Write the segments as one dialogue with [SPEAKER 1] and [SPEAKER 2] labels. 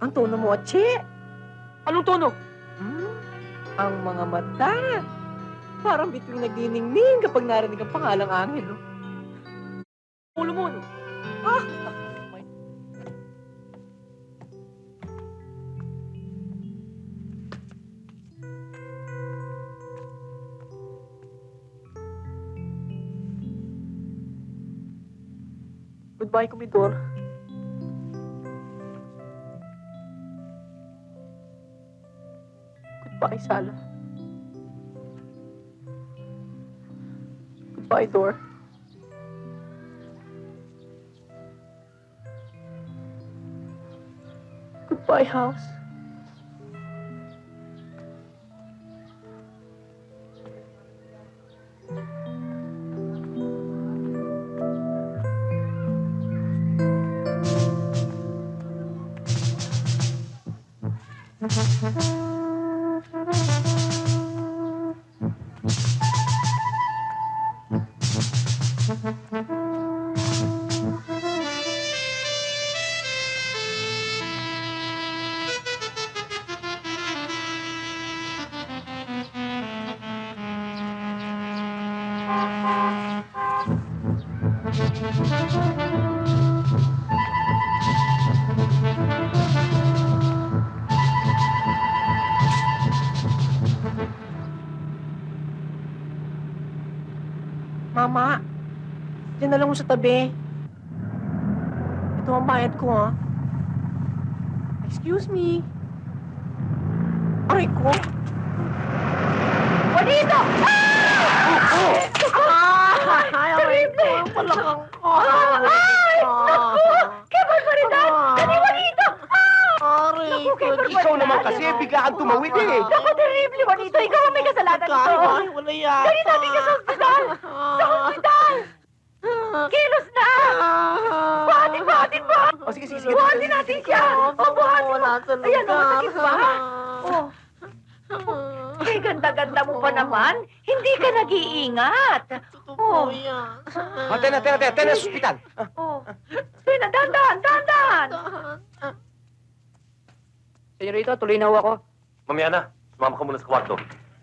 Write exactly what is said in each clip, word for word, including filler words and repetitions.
[SPEAKER 1] Ang tono mo, Che.
[SPEAKER 2] Anong tono?
[SPEAKER 1] Hmm? Ang mga mata. Parang bituing nagniningning kapag narinig ang pangalang Angelo.
[SPEAKER 2] Ulo mo, no?
[SPEAKER 1] Ah! Goodbye, Kumidor. Goodbye, Sala. Goodbye, Dor. Goodbye, house. Mama, diyan na lang mo sa tabi. Ito ang bayad ko, ha? Excuse me. Aray ko.
[SPEAKER 2] Juanito!
[SPEAKER 1] Ah! Ay, aray ko. Ang palakang ko.
[SPEAKER 2] Ay! Naku! Kaya barbaridad! Kani Juanito!
[SPEAKER 1] Aray
[SPEAKER 2] Naku,
[SPEAKER 1] ko.
[SPEAKER 2] kay barbaridad!
[SPEAKER 3] Ikaw naman kasi, biglaan tumawid eh.
[SPEAKER 2] Naku, terrible, Juanito! Ikaw ang may kasalanan nito!
[SPEAKER 1] Ay, wala yata.
[SPEAKER 2] Dali natin ka sa ospital! Sa ospital! Kilos na! Buhatin, buhatin mo!
[SPEAKER 3] O sige, sige, sige.
[SPEAKER 2] Buhatin natin siya! O, buhatin mo!
[SPEAKER 1] Wala talaga.
[SPEAKER 2] Ayan, o, masakit ba? Oh. Eh, ganda-ganda mo pa naman. Hindi ka nag-iingat.
[SPEAKER 1] Totoo yan.
[SPEAKER 3] O, tena, tena, tena, tena, sa ospital.
[SPEAKER 2] Oh. Tina, dandan, dandan! Senyorito, tuloy na ho ako.
[SPEAKER 4] Mamaya na. Sumama ka muna sa kwarto.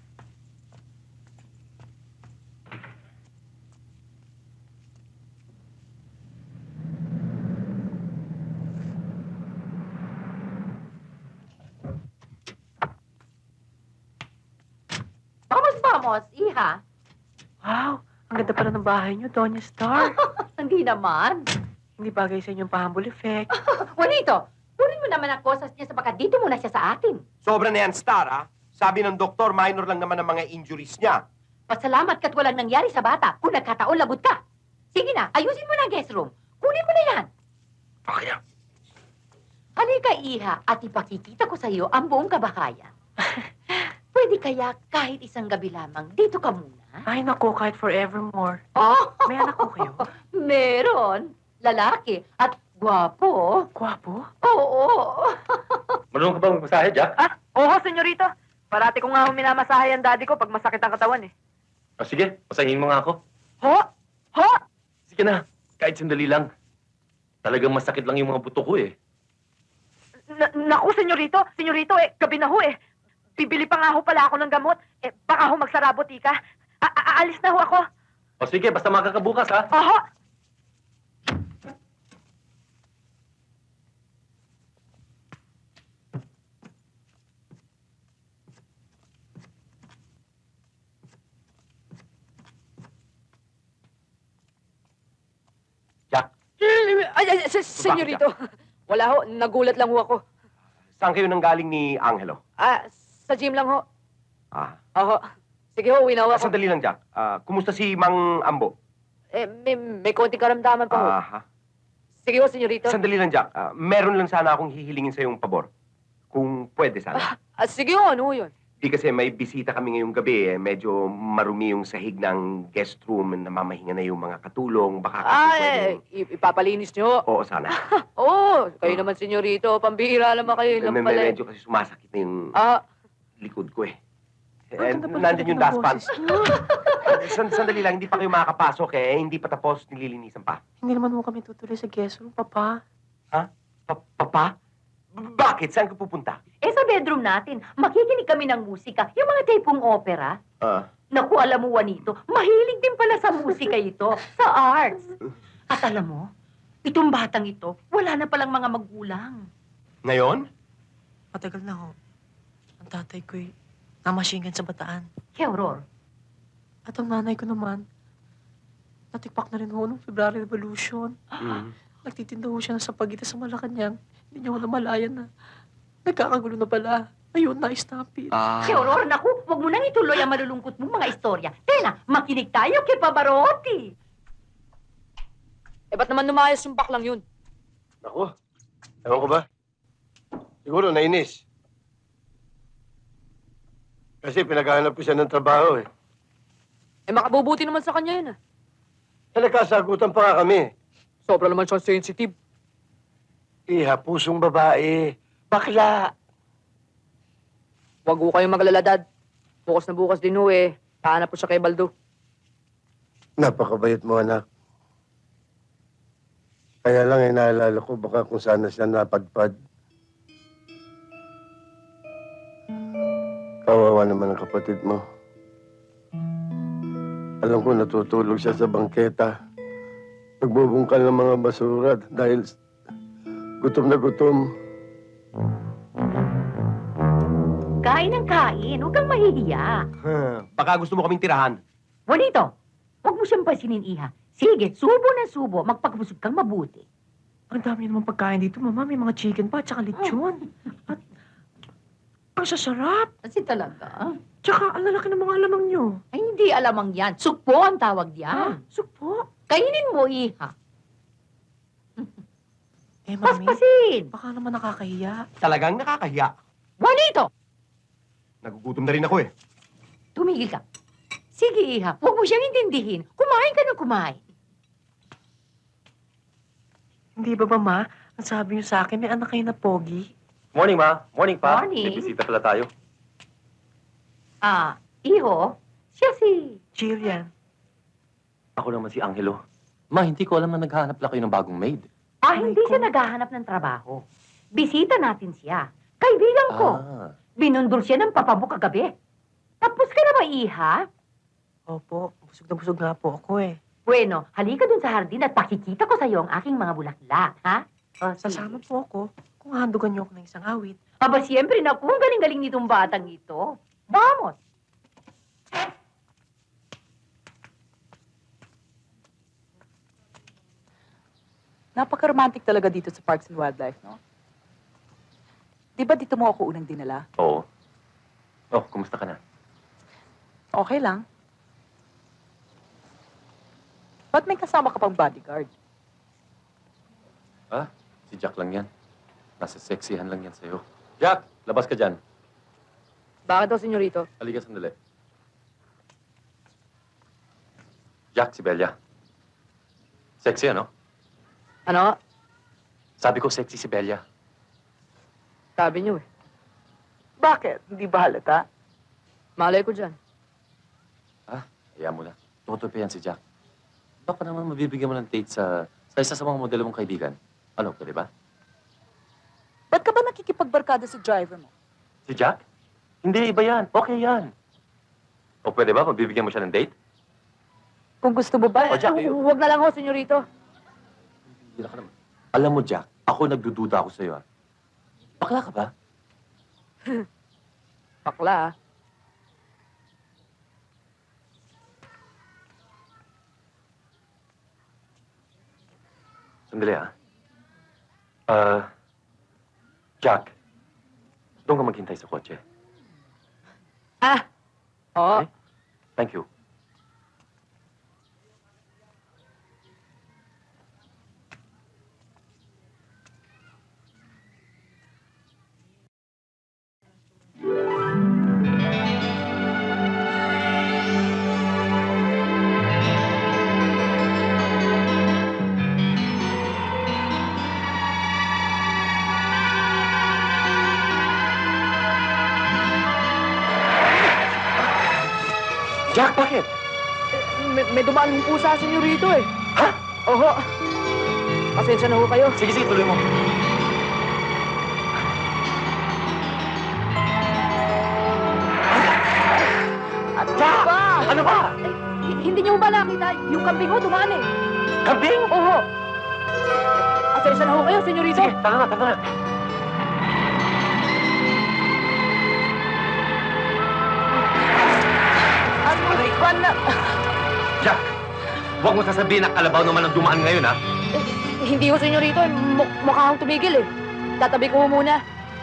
[SPEAKER 2] Vamos, vamos, iha.
[SPEAKER 1] Wow, ang ganda pala ng bahay niyo, Doña Star.
[SPEAKER 2] Hindi naman.
[SPEAKER 1] Hindi bagay sa inyong pahambol effect.
[SPEAKER 2] Juanito, kunin mo naman ang kosas niya sa baka dito muna siya sa atin.
[SPEAKER 3] Sobra na yan, Star, ha? Sabi ng doktor, minor lang naman ang mga injuries niya.
[SPEAKER 2] Pasalamat ka't walang nangyari sa bata. Kung nagkataon, lagot ka. Sige na, ayusin mo na ang guest room. Kunin mo na yan.
[SPEAKER 3] Okay.
[SPEAKER 2] Halika, iha, at ipakikita ko sa iyo ang buong kabahayan. Pwede kaya kahit isang gabi lamang, dito ka muna?
[SPEAKER 1] Ay, naku, kahit forevermore.
[SPEAKER 2] Oh,
[SPEAKER 1] May anak ko kayo?
[SPEAKER 2] meron. Lalaki at gwapo.
[SPEAKER 1] Gwapo?
[SPEAKER 2] Oo.
[SPEAKER 4] Marunong ka ba magmasahe, Jack?
[SPEAKER 2] Ah, oo, senyorito. Parati ko nga minamasahe ang daddy ko pag masakit ang katawan eh.
[SPEAKER 4] O sige, masahin mo nga ako.
[SPEAKER 2] Ho? Ho?
[SPEAKER 4] Sige na, kahit sandali lang. Talagang masakit lang yung mga buto ko eh.
[SPEAKER 2] Na naku, senyorito. Senyorito, eh, gabi na ho eh. Bibili pa nga ho pala ako ng gamot. Eh, baka ho magsarabo, tika. A Aalis na ho ako.
[SPEAKER 4] O sige, basta makakabukas ha.
[SPEAKER 2] Oho.
[SPEAKER 4] Jack,
[SPEAKER 2] Ay, ay, ay, senyorito. Wala ho, nagulat lang ho ako.
[SPEAKER 3] Saan kayo nang galing ni Angelo?
[SPEAKER 2] Ah, sa gym lang ho.
[SPEAKER 3] Ah,
[SPEAKER 2] Oho. Sige ho, uwi na ho ako.
[SPEAKER 3] sandali lang, Jack. Ah, kumusta si Mang Ambo?
[SPEAKER 2] Eh, may, may konting karamdaman pa ho.
[SPEAKER 3] Ah,
[SPEAKER 2] Sige ho, senyorito.
[SPEAKER 3] sandali lang, Jack. Ah, meron lang sana akong hihilingin sa yung pabor. Kung pwede sana.
[SPEAKER 2] Ah, sige ho, ano ho yun?
[SPEAKER 3] Di kasi may bisita kami ngayong gabi eh. Medyo marumi yung sahig ng guest room. Namamahinga na yung mga katulong. Baka kasi
[SPEAKER 2] Ah,
[SPEAKER 3] pwedeng-
[SPEAKER 2] eh, i- ipapalinis nyo.
[SPEAKER 3] Oo, sana.
[SPEAKER 2] Oo, kayo naman, senyorito. Pambihira naman kayo. Yun lang
[SPEAKER 3] Med-
[SPEAKER 2] pala eh.
[SPEAKER 3] medyo kasi sumasakit na yung
[SPEAKER 2] Ah,
[SPEAKER 3] likod ko eh. Eh,
[SPEAKER 1] Ang ganda pala
[SPEAKER 3] nandyan yung
[SPEAKER 1] ng
[SPEAKER 3] dustpan.
[SPEAKER 1] boses niyo.
[SPEAKER 3] San, sandali lang, hindi pa kayo makakapasok eh. Hindi pa tapos, nililinisan pa.
[SPEAKER 1] Hindi naman mo kami tutuloy sa guest room, Papa.
[SPEAKER 3] Pa, papa? Bakit? Saan ka pupunta?
[SPEAKER 2] Eh sa bedroom natin, makikinig kami ng musika. Yung mga tipong opera.
[SPEAKER 3] Ah,
[SPEAKER 2] Naku, alam mo, Juanito, mahilig din pala sa musika ito, sa arts. At alam mo, itong batang ito, wala na palang mga magulang.
[SPEAKER 3] ngayon?
[SPEAKER 1] Matagal na ho. Ang tatay ko'y namashingan sa Bataan.
[SPEAKER 2] Kaya, Aurora,
[SPEAKER 1] At ang nanay ko naman, natikpak na rin ho nung February Revolution.
[SPEAKER 3] Mm.
[SPEAKER 1] Nagtitinda ho siya ng sapagita sa Malacanang. Hindi niya ho namalayan na nagkakagulo na pala. Ayun, na-stampede.
[SPEAKER 3] Ah.
[SPEAKER 2] kaya, Aurora, naku, huwag mo nang ituloy ang malulungkot mong mga istorya. Tena, makinig tayo kay Pavarotti.
[SPEAKER 5] Eh, ba't naman lumayas yung baklang yun?
[SPEAKER 6] Ako? Ewan ko ba? Siguro nainis. Kasi pinaghahanap ko siya ng trabaho eh.
[SPEAKER 5] Eh, makabubuti naman sa kanya yun, ah.
[SPEAKER 6] Eh, nagkasagutan pa nga kami.
[SPEAKER 5] Sobra naman siyang sensitive.
[SPEAKER 6] Iha, pusong babae. Bakla.
[SPEAKER 5] Huwag ko kayong maglala, Dad. Bukas na bukas din ho, eh. Pahanap po siya kay Baldo.
[SPEAKER 6] Napakabayot mo, anak. Kaya lang eh, naalala ko baka kung sana siya napadpad. Kawawa naman ang kapatid mo. Alam ko natutulog siya sa bangketa. Nagbubungkal ng mga basura dahil gutom na gutom.
[SPEAKER 2] Kain ng kain, huwag kang mahihiya.
[SPEAKER 3] Huh. Baka gusto mo kaming tirahan.
[SPEAKER 2] Juanito, huwag mo siyang pansinin, Iha. Sige, subo na subo, magpakabusog kang mabuti.
[SPEAKER 1] Ang dami naman pagkain dito, Mama. May mga chicken pa, tsaka lechon. At ang sasarap.
[SPEAKER 2] Kasi talaga,
[SPEAKER 1] Tsaka ang lalaki ng mga alamang nyo.
[SPEAKER 2] ay hindi alamang yan. Sukpo ang tawag
[SPEAKER 1] Ah,
[SPEAKER 2] yan.
[SPEAKER 1] sukpo.
[SPEAKER 2] Kainin mo, Iha.
[SPEAKER 1] Eh, Mami,
[SPEAKER 2] Paspasin.
[SPEAKER 1] baka naman nakakahiya.
[SPEAKER 3] Talagang nakakahiya.
[SPEAKER 2] Juanito,
[SPEAKER 3] Nagugutom na rin ako eh.
[SPEAKER 2] tumigil ka. Sige, Iha, huwag mo siyang intindihin. Kumain ka ng kumain.
[SPEAKER 1] Hindi ba ba, Ma? Ang sabi niyo sa akin, may anak kayo na pogi.
[SPEAKER 4] Morning, Ma. Morning, Pa.
[SPEAKER 2] Morning.
[SPEAKER 4] May bisita pala tayo.
[SPEAKER 2] Ah, Iho, siya si...
[SPEAKER 1] Jillian.
[SPEAKER 4] Ako naman si Angelo. Ma, hindi ko alam na naghahanap lang kayo ng bagong maid.
[SPEAKER 2] Ah,
[SPEAKER 1] Aray
[SPEAKER 2] hindi
[SPEAKER 1] ko.
[SPEAKER 2] siya naghahanap ng trabaho. Bisita natin siya. Kaibigan ko.
[SPEAKER 4] Ah.
[SPEAKER 2] Binundol siya ng papabo kagabi. Tapos ka na ba, Iha?
[SPEAKER 1] Opo, busog na busog nga po ako eh.
[SPEAKER 2] Bueno, halika dun sa hardin at pakikita ko sa'yo ang aking mga bulaklak, ha? O, sige.
[SPEAKER 1] Sasama po ako kung handugan niyo ako ng isang awit.
[SPEAKER 2] Aba, siyempre, naku, ang galing-galing nitong batang ito. Vamos!
[SPEAKER 7] Napaka-romantic talaga dito sa Parks and Wildlife, no? Di ba dito mo ako unang dinala?
[SPEAKER 4] Oo. Oh, kumusta ka na?
[SPEAKER 7] Okay lang. Ba't may kasama ka pang bodyguard?
[SPEAKER 4] Ah, si Jack lang yan. Nasa sexihan lang yan sa'yo. Jack, labas ka dyan.
[SPEAKER 5] Bakit daw, senyorito?
[SPEAKER 4] Halika sandali. Jack, si Bella. Sexy, ano?
[SPEAKER 5] Ano?
[SPEAKER 4] Sabi ko sexy si Bella.
[SPEAKER 5] Sabi niyo, eh.
[SPEAKER 7] Bakit? Hindi ba halata?
[SPEAKER 5] Malay ko dyan.
[SPEAKER 4] Ah, kaya mo na. Totoo pa yan si Jack. Baka naman mabibigyan mo ng date sa, sa isa sa mga modelo mong kaibigan. Ano, pwede ba?
[SPEAKER 7] Ba't ka ba nakikipagbarkada sa driver mo?
[SPEAKER 4] Si Jack? Hindi, iba yan. Okay yan. O pwede ba, mabibigyan mo siya ng date?
[SPEAKER 7] Kung gusto mo ba,
[SPEAKER 4] O, Jack, ayun.
[SPEAKER 5] Huwag na lang ho, senyorito.
[SPEAKER 4] Hindi na ka naman. Alam mo, Jack, ako nagdududa ako sa'yo, ah. Bakla ka ba?
[SPEAKER 5] Bakla, ah.
[SPEAKER 4] Sandali, ah. Ah, Jack, doon ka maghintay sa kotse.
[SPEAKER 5] Ah! Oo.
[SPEAKER 4] Okay? Thank you. Jack, bakit?
[SPEAKER 5] May, may dumaan ng pusa, senyorito, eh.
[SPEAKER 4] Ha?
[SPEAKER 5] Oho. Pasensya na ho kayo.
[SPEAKER 4] Sige, sige, tuloy mo.
[SPEAKER 5] Hindi niyo ba nakita? Yung kambing ho, dumaan eh.
[SPEAKER 3] Kambing!
[SPEAKER 5] Oho. Asensya na ho kayo, senyorito.
[SPEAKER 4] Sige, tara na, tara na.
[SPEAKER 7] Ano ba na?
[SPEAKER 4] Jack, huwag mo sasabihin na kalabaw naman ang dumaan ngayon, ha?
[SPEAKER 5] Eh, hindi ho, senyorito. Eh. Mu- mukha akong tumigil eh. Tatabi ko ho muna.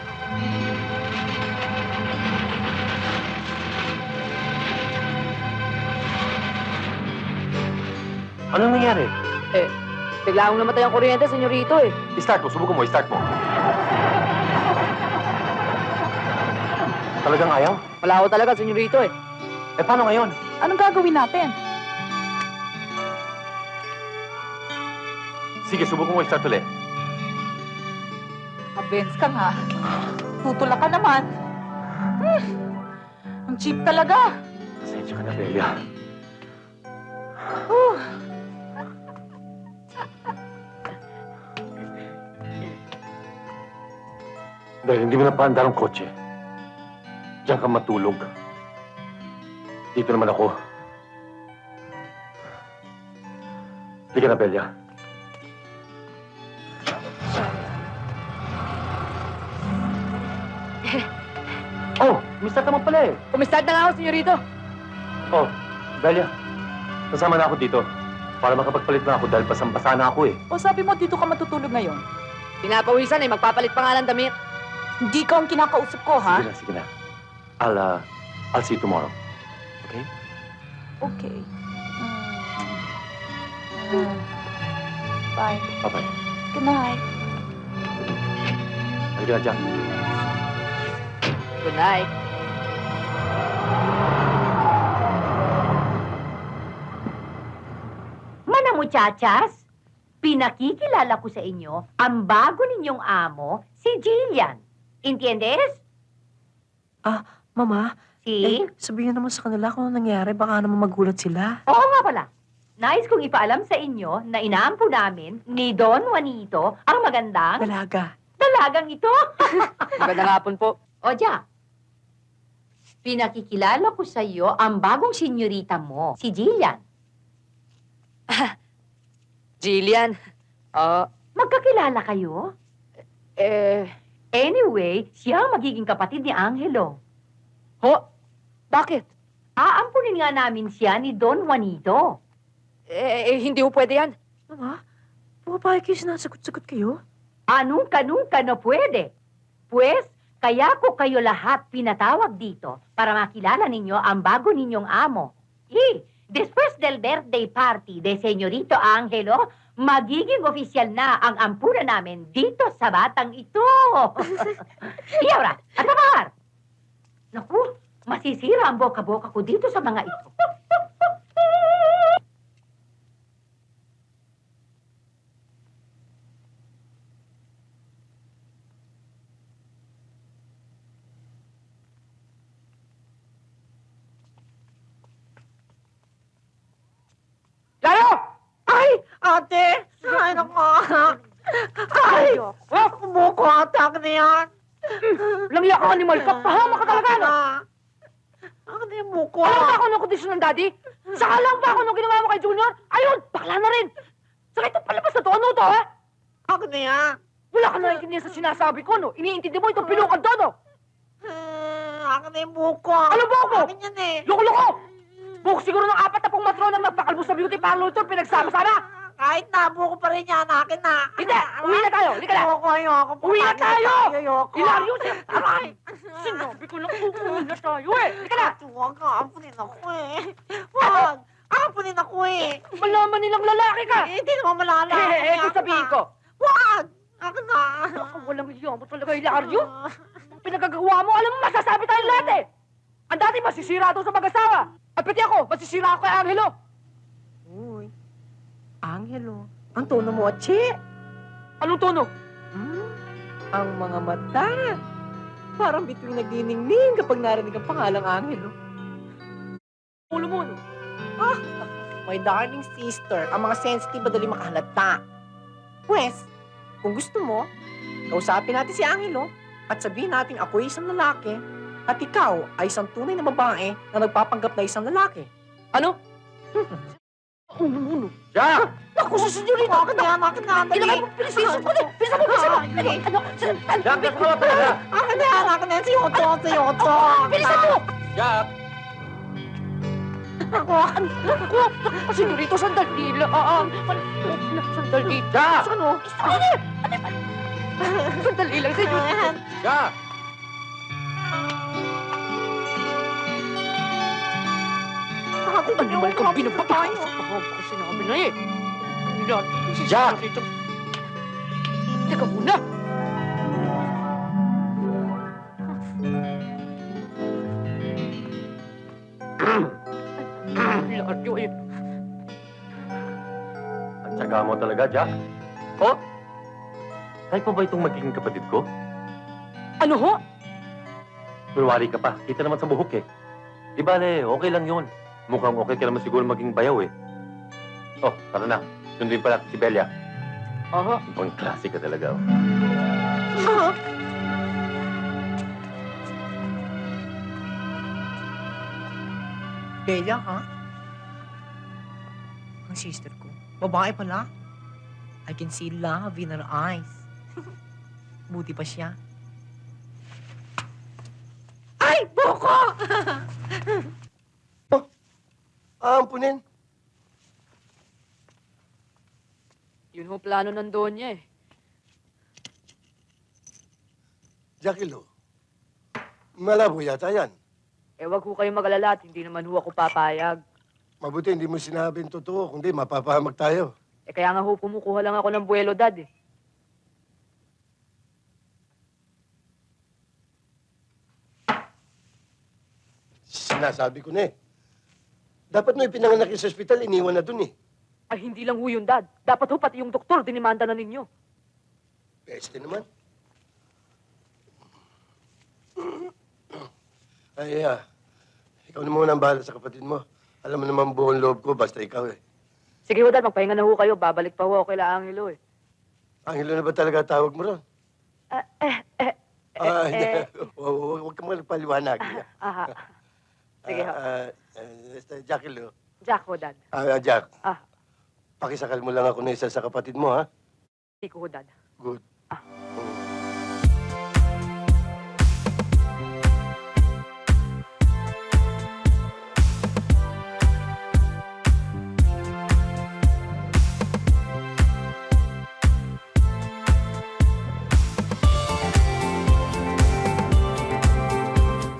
[SPEAKER 4] Anong nangyari?
[SPEAKER 5] Eh, bigla akong namatay ang kuryente, senyorito eh.
[SPEAKER 4] I-start mo, subukan mo, i-start mo. Talagang ayaw?
[SPEAKER 5] Wala ho talaga, senyorito eh.
[SPEAKER 4] Eh, paano ngayon?
[SPEAKER 7] Anong gagawin natin?
[SPEAKER 4] Sige, subukan mo i-start ulit.
[SPEAKER 7] Abens ka nga. Tutulak ka naman. Hmm. Ang cheap talaga.
[SPEAKER 4] Pasensya ka na, Belia.
[SPEAKER 7] Uh.
[SPEAKER 4] Dahil hindi mo napaandar ang kotse, diyan ka matulog. Dito naman ako. Halika na, Belia. Oh, mistart naman pala eh.
[SPEAKER 5] Kumistart na nga ako, senyorito.
[SPEAKER 4] Oh, Belia, kasama na ako dito. Para makapagpalit na ako dahil basang-basa na ako eh.
[SPEAKER 7] O sabi mo dito ka matutulog ngayon?
[SPEAKER 5] Pinapawisan eh, magpapalit pa nga ng damit.
[SPEAKER 7] Hindi ka ang kinakausap ko, ha?
[SPEAKER 4] Sige na, sige na. I'll, uh, I'll see you tomorrow. Okay?
[SPEAKER 7] Okay. Mm. Mm. Bye.
[SPEAKER 4] Bye-bye.
[SPEAKER 7] Good night.
[SPEAKER 4] Halika na, Jack.
[SPEAKER 5] Good night.
[SPEAKER 2] Mana muchachas, pinakikilala ko sa inyo ang bago ninyong amo, si Jillian. Entiendes?
[SPEAKER 1] Mama,
[SPEAKER 2] Si?
[SPEAKER 1] eh, sabihin naman sa kanila kung ano nangyari. Baka naman magulat sila.
[SPEAKER 2] Oo nga pala. Nais kong ipaalam sa inyo na inaampo namin ni Don Juanito ang magandang
[SPEAKER 1] Dalaga.
[SPEAKER 2] dalagang ito.
[SPEAKER 5] Magandang hapon po.
[SPEAKER 2] O, Jack, pinakikilala ko sa iyo ang bagong senyorita mo, si Jillian.
[SPEAKER 5] Jillian. Ah,
[SPEAKER 2] Magkakilala kayo?
[SPEAKER 5] eh,
[SPEAKER 2] Anyway, siya ang magiging kapatid ni Angelo.
[SPEAKER 5] ho? Bakit?
[SPEAKER 2] Aampunin nga namin siya ni Don Juanito.
[SPEAKER 5] Eh, eh, hindi ho pwede yan.
[SPEAKER 1] Mama, pumapayag kayo sinasagot-sagot kayo?
[SPEAKER 2] Anong kanong ka na pwede? Pues, kaya ko kayo lahat pinatawag dito para makilala ninyo ang bago ninyong amo. Eh, después del birthday party de Señorito Angelo, magiging opisyal na ang ampunan namin dito sa batang ito. Iyawra, at Amar! Naku, masisira ang boka-boka ko dito sa mga ito.
[SPEAKER 5] Layo!
[SPEAKER 1] Ay! Ate! Ay, naku! Ay! Umuko atak na yan!
[SPEAKER 5] Langya ka, animal ka. Pahama ka talaga, no?
[SPEAKER 1] Ako na yung muko.
[SPEAKER 5] Alam ba ako ng kondisyon ng daddy? Saka lang ba ako nung ginawa mo kay Junior? Ayun, bakla na rin. Saka ito palabas na to. Ano to, ha?
[SPEAKER 1] Ako na yan.
[SPEAKER 5] Wala ka naiintindihan sa sinasabi ko, no? Iniintindi mo itong pilukan to, no?
[SPEAKER 1] Ako na yung muko.
[SPEAKER 5] Ano ba ako?
[SPEAKER 1] Akin yan eh.
[SPEAKER 5] Loko-loko! Buhok siguro ng apat na pong matron na magpakalbo sa beauty parlor ito, pinagsama-sama.
[SPEAKER 1] Kahit na, buko pa rin yan. Akin na.
[SPEAKER 5] Hindi, uwi na tayo. Halika na.
[SPEAKER 1] Ayoko, ayoko.
[SPEAKER 5] Uwi na tayo!
[SPEAKER 1] Ayoko.
[SPEAKER 5] Hilario, aray! Sinabi ko lang, uuwi na tayo, eh. Halika na.
[SPEAKER 1] Huwag ka. Ampunin ako eh. Huwag. Ampunin ako eh.
[SPEAKER 5] Malaman nilang lalaki ka.
[SPEAKER 1] Eh, hindi naman malala.
[SPEAKER 5] Eh, eh, eh, kung sabihin ko.
[SPEAKER 1] Huwag. Akin na.
[SPEAKER 5] Ako, walang iya mo talaga, Hilario. Ang pinagagawa mo, alam mo, masasabi tayo lahat, eh. Ang dati masisira daw sa mag-asawa. At pati ako, masisira ako kay Angelo.
[SPEAKER 1] Uy. Angelo. Ang tono mo, Che.
[SPEAKER 5] Anong tono?
[SPEAKER 1] Hmm? Ang mga mata. Parang bituing nagniningning kapag narinig ang pangalang Angelo.
[SPEAKER 5] Ulo mo, no?
[SPEAKER 1] My darling sister, ang mga sensitive madali makahalata. Pwes, kung gusto mo, kausapin natin si Angelo at sabihin natin ako ay isang lalaki at ikaw ay isang tunay na babae na nagpapanggap na isang lalaki.
[SPEAKER 5] Ano? Uno, uno.
[SPEAKER 3] Jack!
[SPEAKER 5] Naku, sa senyorita!
[SPEAKER 1] Akin na yan, akin na yan. Dali.
[SPEAKER 5] Ilagay mo, bilisan mo, bilisan mo, bilisan mo, bilisan mo.
[SPEAKER 1] Ah, dali.
[SPEAKER 5] Ano, sandali.
[SPEAKER 3] Jack, nasa ka talaga!
[SPEAKER 1] Akin na yan, akin na yan. Si Otto, si Otto.
[SPEAKER 5] Bilisan mo!
[SPEAKER 4] Jack!
[SPEAKER 1] Ako.
[SPEAKER 5] Naku, senyorito, sandali lang. Sandali.
[SPEAKER 3] Jack!
[SPEAKER 1] Ano?
[SPEAKER 5] Ano? Sandali lang, senyorito.
[SPEAKER 4] Jack!
[SPEAKER 5] Ano ba kang binababa? Ako ko sinabi na eh. Ilan?
[SPEAKER 3] Jack!
[SPEAKER 5] Teka muna. Laryo eh.
[SPEAKER 4] Ang tsaga mo talaga, Jack. Oh? Kahit pa ba itong magiging kapatid ko?
[SPEAKER 5] Ano ho?
[SPEAKER 4] Kunwari ka pa. Kita naman sa buhok eh. Di bale, okay lang yun. Mukhang okay ka naman siguro maging bayaw eh. Oh, tara na. Sundin pala si Belia.
[SPEAKER 5] Aha.
[SPEAKER 4] Ibang klase ka talaga. Oh.
[SPEAKER 1] Bella, ha? Ang sister ko. Babae pala. I can see love in her eyes. Buti pa siya. Ay! Boko!
[SPEAKER 6] Aampunin.
[SPEAKER 5] Yun ho plano ng Donya eh.
[SPEAKER 6] Jackie Lo, malabo yata yan.
[SPEAKER 5] Eh wag ho kayong mag-alala at hindi naman ho ako papayag.
[SPEAKER 6] Mabuti hindi mo sinabing totoo, kundi mapapahamak tayo.
[SPEAKER 5] Eh kaya nga ho kumukuha lang ako ng buwelo dad eh.
[SPEAKER 6] Sinasabi ko na eh. Dapat mo ipinanganak yung sa ospital, iniwan na dun eh.
[SPEAKER 5] Ay hindi lang ho yun dad. Dapat ho pati yung doktor dinimanda na ninyo.
[SPEAKER 6] Peste naman. Ay, ah, ikaw na muna ang bahala sa kapatid mo. Alam mo naman buong loob ko, basta ikaw eh.
[SPEAKER 5] Sige ho dad, magpahinga na ho kayo. Babalik pa ho ako kila Angelo eh.
[SPEAKER 6] Angelo na ba talaga tawag mo ron?
[SPEAKER 5] Ah, eh, eh,
[SPEAKER 6] Ah,
[SPEAKER 5] eh,
[SPEAKER 6] hindi.
[SPEAKER 5] eh,
[SPEAKER 6] Huwag huwag ka mo nagpaliwanag.
[SPEAKER 5] aha. Sige ho.
[SPEAKER 6] Ah, ah, ah, Jackie Lo.
[SPEAKER 5] Jack ho dad.
[SPEAKER 6] Ah, Jack.
[SPEAKER 5] Ah.
[SPEAKER 6] Pakisakal mo lang ako na isa sa kapatid mo, ha?
[SPEAKER 5] Hindi ko ho dad.
[SPEAKER 6] Good.